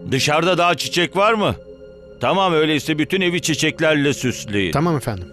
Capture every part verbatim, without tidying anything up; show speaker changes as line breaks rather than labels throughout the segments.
Dışarıda daha çiçek var mı? Tamam, öyleyse bütün evi çiçeklerle süsleyin.
Tamam efendim.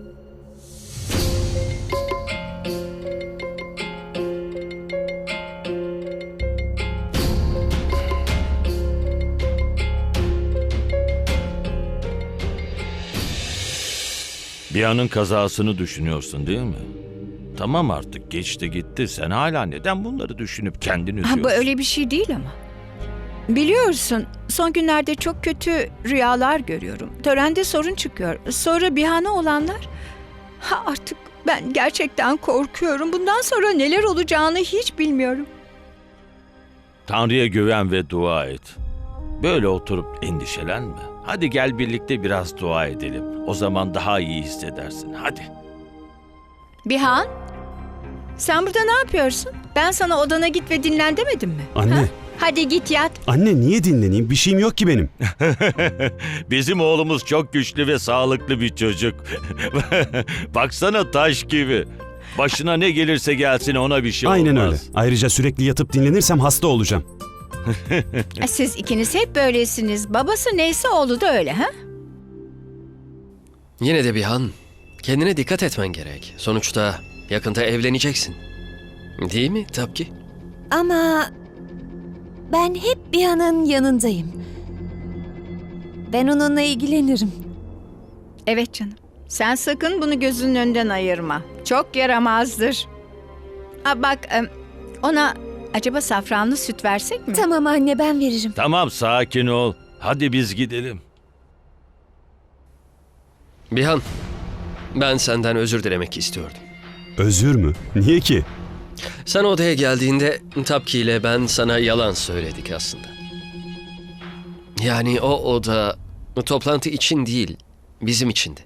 Bir anın kazasını düşünüyorsun değil mi? Tamam, artık geçti gitti. Sen hala neden bunları düşünüp kendini
Ha,
üzüyorsun?
bu öyle bir şey değil ama. Biliyorsun, son günlerde çok kötü rüyalar görüyorum. Törende sorun çıkıyor. Sonra Bihan'a olanlar. Ha, artık ben gerçekten korkuyorum. Bundan sonra neler olacağını hiç bilmiyorum.
Tanrı'ya güven ve dua et. Böyle oturup endişelenme. Hadi gel birlikte biraz dua edelim. O zaman daha iyi hissedersin. Hadi.
Bihan, sen burada ne yapıyorsun? Ben sana odana git ve dinlen demedim mi?
Anne.
Ha? Hadi git yat.
Anne niye dinleneyim? Bir şeyim yok ki benim.
Bizim oğlumuz çok güçlü ve sağlıklı bir çocuk. Baksana, taş gibi. Başına ne gelirse gelsin ona bir şey
Aynen öyle.
olmaz.
Ayrıca sürekli yatıp dinlenirsem hasta olacağım.
Siz ikiniz hep böylesiniz. Babası neyse oğlu da öyle, ha?
Yine de Bihan, kendine dikkat etmen gerek. Sonuçta yakında evleneceksin. Değil mi Tapki?
Ama ben hep Bihan'ın yanındayım. Ben onunla ilgilenirim.
Evet canım. Sen sakın bunu gözünün önünden ayırma. Çok yaramazdır. Ha, bak, em, ona acaba safranlı süt versek mi?
Tamam anne, ben veririm.
Tamam, sakin ol. Hadi biz gidelim.
Bihan, ben senden özür dilemek istiyordum.
Özür mü? Niye ki?
Sen odaya geldiğinde Tapki ile ben sana yalan söyledik aslında. Yani o oda toplantı için değil, bizim içindi.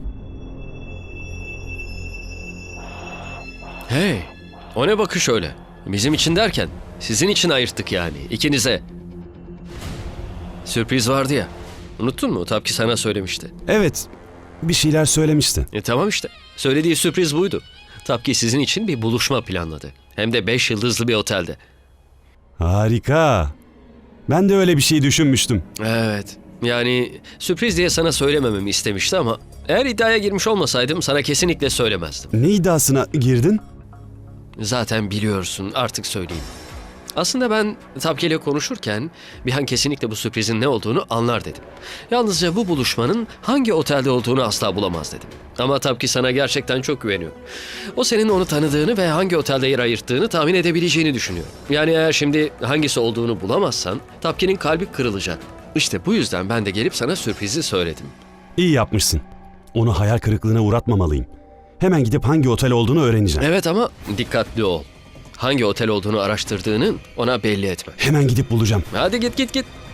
Hey, o ne bakış öyle? Bizim için derken, sizin için ayırttık yani, ikinize. Sürpriz vardı ya, unuttun mu? Tapki sana söylemişti.
Evet. Bir şeyler söylemişti.
E tamam işte, söylediği sürpriz buydu. Tapki sizin için bir buluşma planladı. Hem de beş yıldızlı bir otelde.
Harika. Ben de öyle bir şey düşünmüştüm.
Evet. Yani sürpriz diye sana söylemememi istemişti ama eğer iddiaya girmiş olmasaydım sana kesinlikle söylemezdim.
Ne iddiasına girdin?
Zaten biliyorsun, artık söyleyeyim. Aslında ben Tapki ile konuşurken Bihan kesinlikle bu sürprizin ne olduğunu anlar dedim. Yalnızca bu buluşmanın hangi otelde olduğunu asla bulamaz dedim. Ama Tapki sana gerçekten çok güveniyor. O senin onu tanıdığını ve hangi otelde yer ayırttığını tahmin edebileceğini düşünüyor. Yani eğer şimdi hangisi olduğunu bulamazsan Tapki'nin kalbi kırılacak. İşte bu yüzden ben de gelip sana sürprizi söyledim.
İyi yapmışsın. Onu hayal kırıklığına uğratmamalıyım. Hemen gidip hangi otel olduğunu öğreneceğim.
Evet ama dikkatli ol. Hangi otel olduğunu araştırdığını ona belli etme.
Hemen gidip bulacağım.
Hadi git git git.